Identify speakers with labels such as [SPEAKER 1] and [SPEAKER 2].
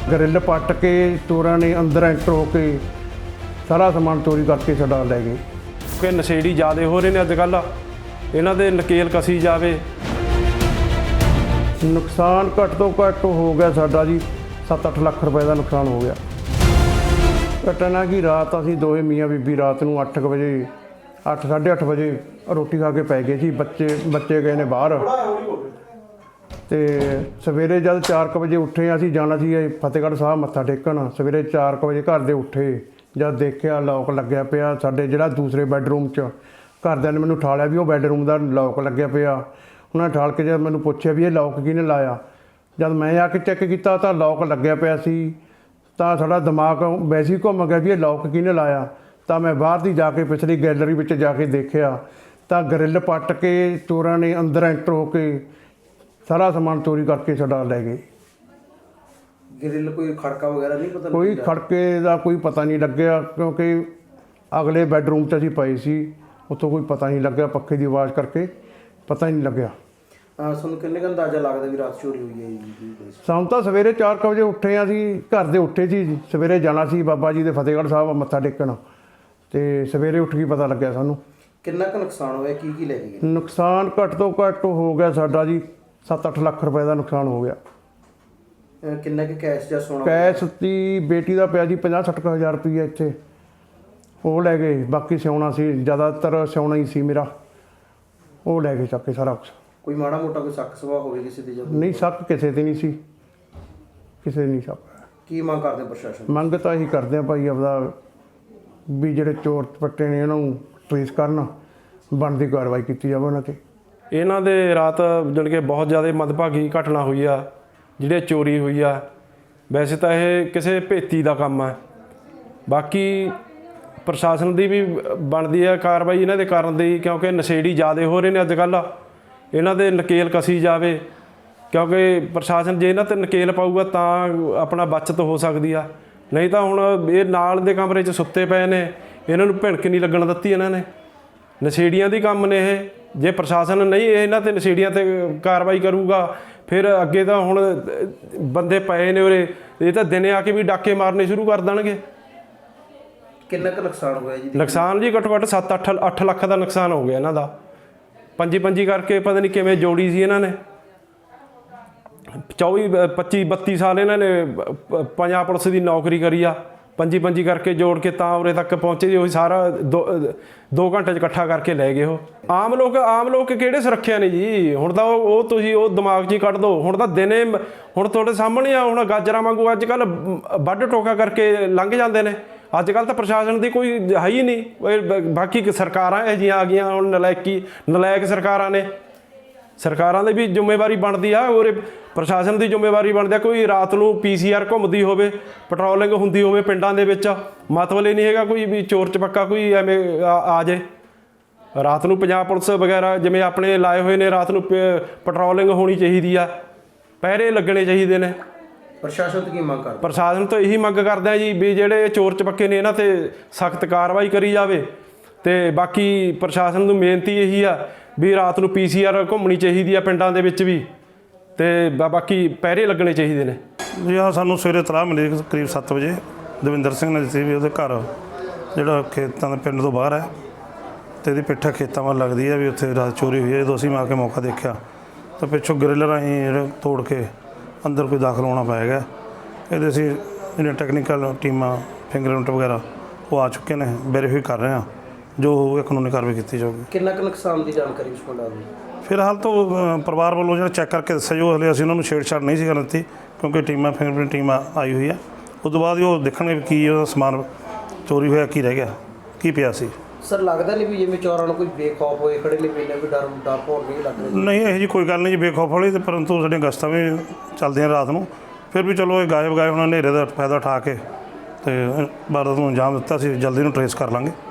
[SPEAKER 1] Grill पट के चोरों ने अंदर एंटर होके सारा समान चोरी करके छड़ा लै गए।
[SPEAKER 2] कि नशेड़ी ज़्यादा हो रहे हैं अजकल, इन्हां दे नकेल कसी जावे।
[SPEAKER 1] नुकसान घट तो घट हो गया साडा जी 7-8 लाख रुपए का नुकसान हो गया। घटना कि रात असीं दोवें मियाँ बीबी रात नूं 8 बजे 8-8:30 बजे रोटी खा के पै गए सी। बच्चे गए ने बाहर ਤੇ ਸਵੇਰੇ ਜਦ 4 ਵਜੇ ਉੱਠੇ ਅਸੀਂ ਜਾਣਾ ਸੀ ਫਤਿਹਗੜ੍ਹ ਸਾਹਿਬ ਮੱਥਾ ਟੇਕਣ। ਸਵੇਰੇ 4 ਵਜੇ ਘਰ ਦੇ ਉੱਠੇ, ਜਦ ਦੇਖਿਆ ਲੌਕ ਲੱਗਿਆ ਪਿਆ ਸਾਡੇ ਜਿਹੜਾ ਦੂਸਰੇ ਬੈੱਡਰੂਮ 'ਚ। ਘਰਦਿਆਂ ਨੇ ਮੈਨੂੰ ਠਾਲਿਆ ਵੀ ਉਹ ਬੈੱਡਰੂਮ ਦਾ ਲੌਕ ਲੱਗਿਆ ਪਿਆ। ਉਹਨਾਂ ਨੇ ਠਾਲ ਕੇ ਜਦ ਮੈਨੂੰ ਪੁੱਛਿਆ ਵੀ ਇਹ ਲੌਕ ਕਿਹਨੇ ਲਾਇਆ, ਜਦ ਮੈਂ ਆ ਕੇ ਚੈੱਕ ਕੀਤਾ ਤਾਂ ਲੌਕ ਲੱਗਿਆ ਪਿਆ ਸੀ। ਤਾਂ ਸਾਡਾ ਦਿਮਾਗ ਵੈਸੇ ਹੀ ਘੁੰਮ ਗਿਆ ਵੀ ਇਹ ਲੌਕ ਕਿਹਨੇ ਲਾਇਆ। ਤਾਂ ਮੈਂ ਬਾਹਰ ਦੀ ਜਾ ਕੇ ਪਿਛਲੀ ਗੈਲਰੀ ਵਿੱਚ ਜਾ ਕੇ ਦੇਖਿਆ ਤਾਂ ਗਰਿੱਲ ਪੱਟ ਕੇ ਚੋਰਾਂ ਨੇ ਅੰਦਰ ਐਂਟਰ ਹੋ ਕੇ सारा समान चोरी करके छड़ा लै गए।
[SPEAKER 3] ग्रिल कोई खड़का वगैरह नहीं पता?
[SPEAKER 1] कोई खड़के का कोई पता नहीं लग्या क्योंकि अगले बैडरूम च असीं पए सी, उत्थों कोई पता नहीं लग्या, पक्खे की आवाज़ करके पता ही नहीं लग्या।
[SPEAKER 3] ਤੁਹਾਨੂੰ ਕਿੰਨੇ ਕੁ ਅੰਦਾਜ਼ਾ ਲੱਗਦਾ ਵੀ ਰਾਤ ਚੋਰੀ ਹੋਈ ਹੈ ਜੀ?
[SPEAKER 1] ਸਾਨੂੰ ਤਾਂ ਸਵੇਰੇ 4 ਵਜੇ ਉੱਠੇ ਹਾਂ ਅਸੀਂ, ਘਰ ਦੇ ਉੱਠੇ ਸੀ। ਸਵੇਰੇ ਜਾਣਾ ਸੀ ਬਾਬਾ ਜੀ ਦੇ ਫਤਿਹਗੜ੍ਹ ਸਾਹਿਬ ਮੱਥਾ ਟੇਕਣ ਤੇ ਸਵੇਰੇ ਉੱਠ ਕੇ ਪਤਾ ਲੱਗਿਆ ਸਾਨੂੰ।
[SPEAKER 3] ਕਿੰਨਾ ਕੁ ਨੁਕਸਾਨ ਹੋਇਆ, ਕੀ ਲੈ ਕੇ ਗਏ?
[SPEAKER 1] ਨੁਕਸਾਨ ਘੱਟ ਤੋਂ ਘੱਟ ਹੋ ਗਿਆ ਸਾਡਾ ਜੀ 7-8 ਲੱਖ ਰੁਪਏ ਦਾ ਨੁਕਸਾਨ ਹੋ ਗਿਆ।
[SPEAKER 3] ਕਿੰਨਾ ਕਿ ਕੈਸ਼ ਜਾਂ ਸੋਨਾ?
[SPEAKER 1] ਕੈਸ਼ ਦੀ ਬੇਟੀ ਦਾ ਪਿਆ ਜੀ 50-60 ਹਜ਼ਾਰ ਰੁਪਈਆ ਇੱਥੇ, ਉਹ ਲੈ ਗਏ। ਬਾਕੀ ਸਿਉਣਾ ਸੀ, ਜ਼ਿਆਦਾਤਰ ਸਿਉਣਾ ਹੀ ਸੀ ਮੇਰਾ, ਉਹ ਲੈ ਗਏ ਚੱਕ ਕੇ ਸਾਰਾ ਕੁਛ।
[SPEAKER 3] ਕੋਈ ਮਾੜਾ ਮੋਟਾ ਕੋਈ ਸ਼ੱਕ ਸਵਾ ਹੋਵੇ ਕਿਸੇ ਦੀ?
[SPEAKER 1] ਨਹੀਂ, ਸ਼ੱਕ ਕਿਸੇ ਤੇ ਨਹੀਂ ਸੀ, ਕਿਸੇ ਨਹੀਂ ਸ਼ੱਕ।
[SPEAKER 3] ਕੀ ਮੰਗ ਕਰਦੇ ਪ੍ਰਸ਼ਾਸਨ?
[SPEAKER 1] ਮੰਗ ਤਾਂ ਇਹੀ ਕਰਦੇ ਆ ਭਾਈ ਆਪਦਾ ਵੀ ਜਿਹੜੇ ਚੋਰ ਚਪੱਟੇ ਨੇ ਇਹਨਾਂ ਨੂੰ ਟ੍ਰੇਸ ਕਰਨ, ਬਣਦੀ ਕਾਰਵਾਈ ਕੀਤੀ ਜਾਵੇ ਉਹਨਾਂ 'ਤੇ।
[SPEAKER 2] ਇਹਨਾਂ ਦੇ ਰਾਤ ਜਾਣੀ ਕਿ ਬਹੁਤ ਜ਼ਿਆਦਾ ਮੰਦਭਾਗੀ ਘਟਨਾ ਹੋਈ ਆ, ਜਿਹੜੇ ਚੋਰੀ ਹੋਈ ਆ। ਵੈਸੇ ਤਾਂ ਇਹ ਕਿਸੇ ਭੇਤੀ ਦਾ ਕੰਮ ਹੈ, ਬਾਕੀ ਪ੍ਰਸ਼ਾਸਨ ਦੀ ਵੀ ਬਣਦੀ ਆ ਕਾਰਵਾਈ ਇਹਨਾਂ ਦੇ ਕਰਨ ਦੀ, ਕਿਉਂਕਿ ਨਸ਼ੇੜੀ ਜ਼ਿਆਦਾ ਹੋ ਰਹੇ ਨੇ ਅੱਜ ਕੱਲ੍ਹ। ਇਹਨਾਂ ਦੇ ਨਕੇਲ ਕਸੀ ਜਾਵੇ, ਕਿਉਂਕਿ ਪ੍ਰਸ਼ਾਸਨ ਜੇ ਇਹਨਾਂ 'ਤੇ ਨਕੇਲ ਪਾਊਗਾ ਤਾਂ ਆਪਣਾ ਬਚਤ ਹੋ ਸਕਦੀ ਆ। ਨਹੀਂ ਤਾਂ ਹੁਣ ਇਹ ਨਾਲ ਦੇ ਕਮਰੇ 'ਚ ਸੁੱਤੇ ਪਏ ਨੇ, ਇਹਨਾਂ ਨੂੰ ਭਿਣਕ ਨਹੀਂ ਲੱਗਣ ਦਿੱਤੀ ਇਹਨਾਂ ਨੇ। ਨਸ਼ੇੜੀਆਂ ਦੀ ਕੰਮ ਨੇ ਇਹ। ਜੇ ਪ੍ਰਸ਼ਾਸਨ ਨਹੀਂ ਇਹਨਾਂ 'ਤੇ ਨਸ਼ੇੜੀਆਂ 'ਤੇ ਕਾਰਵਾਈ ਕਰੂਗਾ ਫਿਰ ਅੱਗੇ ਤਾਂ ਹੁਣ ਬੰਦੇ ਪਏ ਨੇ ਉਰੇ, ਇਹ ਤਾਂ ਦਿਨੇ ਆ ਕੇ ਵੀ ਡਾਕੇ ਮਾਰਨੇ ਸ਼ੁਰੂ ਕਰ ਦੇਣਗੇ।
[SPEAKER 3] ਕਿੰਨਾ ਕੁ ਨੁਕਸਾਨ ਹੋਇਆ ਜੀ?
[SPEAKER 2] ਨੁਕਸਾਨ ਜੀ ਘੱਟੋ ਘੱਟ 7-8 ਲੱਖ ਦਾ ਨੁਕਸਾਨ ਹੋ ਗਿਆ ਇਹਨਾਂ ਦਾ। ਪੰਜੀ ਕਰਕੇ ਪਤਾ ਨਹੀਂ ਕਿਵੇਂ ਜੋੜੀ ਸੀ ਇਹਨਾਂ ਨੇ। 24-25-32 ਸਾਲ ਇਹਨਾਂ ਨੇ ਪੰਜਾਬ ਪੁਲਿਸ ਦੀ ਨੌਕਰੀ ਕਰੀ ਆ। ਪੰਜੀ ਕਰਕੇ ਜੋੜ ਕੇ ਤਾਂ ਉਰੇ ਤੱਕ ਪਹੁੰਚੇ ਜੀ। ਉਹੀ ਸਾਰਾ 2 ਘੰਟੇ 'ਚ ਇਕੱਠਾ ਕਰਕੇ ਲੈ ਗਏ ਉਹ। ਆਮ ਲੋਕ ਕਿਹੜੇ ਸੁਰੱਖਿਆ ਨੇ ਜੀ? ਹੁਣ ਤਾਂ ਉਹ ਤੁਸੀਂ ਉਹ ਦਿਮਾਗ 'ਚ ਹੀ ਕੱਢ ਦਿਓ। ਹੁਣ ਤਾਂ ਦਿਨੇ ਹੁਣ ਤੁਹਾਡੇ ਸਾਹਮਣੇ ਆ, ਹੁਣ ਗਾਜਰਾਂ ਵਾਂਗੂ ਅੱਜ ਕੱਲ੍ਹ ਵੱਢ ਟੋਕਾ ਕਰਕੇ ਲੰਘ ਜਾਂਦੇ ਨੇ। ਅੱਜ ਕੱਲ੍ਹ ਤਾਂ ਪ੍ਰਸ਼ਾਸਨ ਦੀ ਕੋਈ ਹੈ ਹੀ ਨਹੀਂ। ਬਾਕੀ ਸਰਕਾਰਾਂ ਇਹੋ ਜਿਹੀਆਂ ਆ ਗਈਆਂ ਹੁਣ, ਨਲਾਇਕ ਸਰਕਾਰਾਂ ਨੇ। ਸਰਕਾਰਾਂ ਦੀ ਵੀ ਜ਼ਿੰਮੇਵਾਰੀ ਬਣਦੀ ਆ, ਔਰ ਪ੍ਰਸ਼ਾਸਨ ਦੀ ਜ਼ਿੰਮੇਵਾਰੀ ਬਣਦੀ ਆ। ਕੋਈ ਰਾਤ ਨੂੰ PCR ਘੁੰਮਦੀ ਹੋਵੇ, ਪੈਟਰੋਲਿੰਗ ਹੁੰਦੀ ਹੋਵੇ ਪਿੰਡਾਂ ਦੇ ਵਿੱਚ, ਮਤਲਬ ਇਹ ਨਹੀਂ ਹੈਗਾ ਕੋਈ ਵੀ ਚੋਰ ਚਪੱਕਾ ਕੋਈ ਐਵੇਂ ਆ ਜਾਏ। ਰਾਤ ਨੂੰ ਪੰਜਾਬ ਪੁਲਿਸ ਵਗੈਰਾ ਜਿਵੇਂ ਆਪਣੇ ਲਾਏ ਹੋਏ ਨੇ, ਰਾਤ ਨੂੰ ਪੈਟਰੋਲਿੰਗ ਹੋਣੀ ਚਾਹੀਦੀ ਆ, ਪਹਿਰੇ ਲੱਗਣੇ ਚਾਹੀਦੇ ਨੇ।
[SPEAKER 3] ਪ੍ਰਸ਼ਾਸਨ ਤੋਂ ਕੀ ਮੰਗ ਕਰਦੇ?
[SPEAKER 2] ਪ੍ਰਸ਼ਾਸਨ ਤੋਂ ਇਹੀ ਮੰਗ ਕਰਦੇ ਆ ਜੀ ਵੀ ਜਿਹੜੇ ਚੋਰ ਚਪੱਕੇ ਨੇ ਇਹਨਾਂ 'ਤੇ ਸਖਤ ਕਾਰਵਾਈ ਕਰੀ ਜਾਵੇ। ਅਤੇ ਬਾਕੀ ਪ੍ਰਸ਼ਾਸਨ ਨੂੰ ਬੇਨਤੀ ਇਹੀ ਆ ਵੀ ਰਾਤ ਨੂੰ PCR ਘੁੰਮਣੀ ਚਾਹੀਦੀ ਆ ਪਿੰਡਾਂ ਦੇ ਵਿੱਚ ਵੀ, ਅਤੇ ਬਾਕੀ ਪਹਿਰੇ ਲੱਗਣੇ ਚਾਹੀਦੇ ਨੇ
[SPEAKER 4] ਜੀ। ਹਾਂ, ਸਾਨੂੰ ਸਵੇਰੇ ਇਤਲਾਹ ਮਿਲੀ ਕਰੀਬ 7 ਵਜੇ ਦਵਿੰਦਰ ਸਿੰਘ ਨੇ ਦਿੱਤੀ ਵੀ ਉਹਦੇ ਘਰ ਜਿਹੜਾ ਖੇਤਾਂ ਦੇ ਪਿੰਡ ਤੋਂ ਬਾਹਰ ਹੈ ਅਤੇ ਇਹਦੀ ਪਿੱਠਾ ਖੇਤਾਂ ਵੱਲ ਲੱਗਦੀ ਹੈ ਵੀ ਉੱਥੇ ਰਾਤ ਚੋਰੀ ਹੋਈ ਹੈ। ਜਦੋਂ ਅਸੀਂ ਆ ਕੇ ਮੌਕਾ ਦੇਖਿਆ ਤਾਂ ਪਿੱਛੋਂ ਗਰਿੱਲ ਰਾਹੀਂ ਜਿਹੜੇ ਤੋੜ ਕੇ ਅੰਦਰ ਕੋਈ ਦਾਖਲ ਹੋਣਾ ਪਏਗਾ। ਇਹਦੇ ਅਸੀਂ ਜਿਹੜੀਆਂ ਟੈਕਨੀਕਲ ਟੀਮਾਂ, ਫਿੰਗਰਪ੍ਰਿੰਟ ਵਗੈਰਾ ਉਹ ਆ ਚੁੱਕੇ ਨੇ, ਵੈਰੀਫਾਈ ਕਰ ਰਹੇ ਹਾਂ। ਜੋ ਹੋਊਗਾ ਕਾਨੂੰਨੀ ਕਾਰਵਾਈ ਕੀਤੀ ਜਾਊਗੀ।
[SPEAKER 3] ਕਿੰਨਾ ਕੁ ਨੁਕਸਾਨ ਦੀ ਜਾਣਕਾਰੀ ਉਸ ਕੋਲ ਆ ਗਈ?
[SPEAKER 4] ਫਿਲਹਾਲ ਤਾਂ ਪਰਿਵਾਰ ਵੱਲੋਂ ਜਿਹੜਾ ਚੈੱਕ ਕਰਕੇ ਦੱਸਿਆ ਜੋ ਹਲੇ ਅਸੀਂ ਉਹਨਾਂ ਨੂੰ ਛੇੜਛਾੜ ਨਹੀਂ ਸੀ ਕਰਨ ਦਿੱਤੀ, ਕਿਉਂਕਿ ਟੀਮਾਂ ਫਿੰਗਰਪ੍ਰਿੰਟ ਟੀਮ ਆਈ ਹੋਈ ਹੈ। ਉਸ ਤੋਂ ਬਾਅਦ ਹੀ ਉਹ ਦੇਖਣਗੇ ਵੀ ਕੀ ਉਹਦਾ ਸਮਾਨ ਚੋਰੀ ਹੋਇਆ, ਕੀ ਰਹਿ ਗਿਆ, ਕੀ ਪਿਆ ਸੀ।
[SPEAKER 3] ਸਰ ਲੱਗਦਾ ਨਹੀਂ ਵੀ ਜਿਵੇਂ ਚੋਰਾਂ ਨੂੰ ਕੋਈ ਬੇਖੌਫ ਹੋਏ ਖੜੇ ਨੇ, ਪਹਿਲਾਂ ਵੀ ਡਰ ਭੌਰ ਨਹੀਂ ਲੱਗ ਰਿਹਾ?
[SPEAKER 4] ਨਹੀਂ, ਇਹੋ ਜਿਹੀ ਕੋਈ ਗੱਲ ਨਹੀਂ ਜੀ ਬੇਖੌਫ ਵਾਲੀ। ਅਤੇ ਪਰੰਤੂ ਸਾਡੀਆਂ ਗਸ਼ਤਾਂ ਵੀ ਚੱਲਦੀਆਂ ਰਾਤ ਨੂੰ, ਫਿਰ ਵੀ ਚਲੋ ਇਹ ਗਾਇਬ ਉਹਨਾਂ ਹਨੇਰੇ ਦਾ ਫਾਇਦਾ ਉਠਾ ਕੇ ਅਤੇ ਵਾਰਦਾਤ ਨੂੰ ਅੰਜਾਮ ਦਿੱਤਾ ਸੀ। ਜਲਦੀ ਨੂੰ ਟਰੇਸ ਕਰ ਲਾਂਗੇ।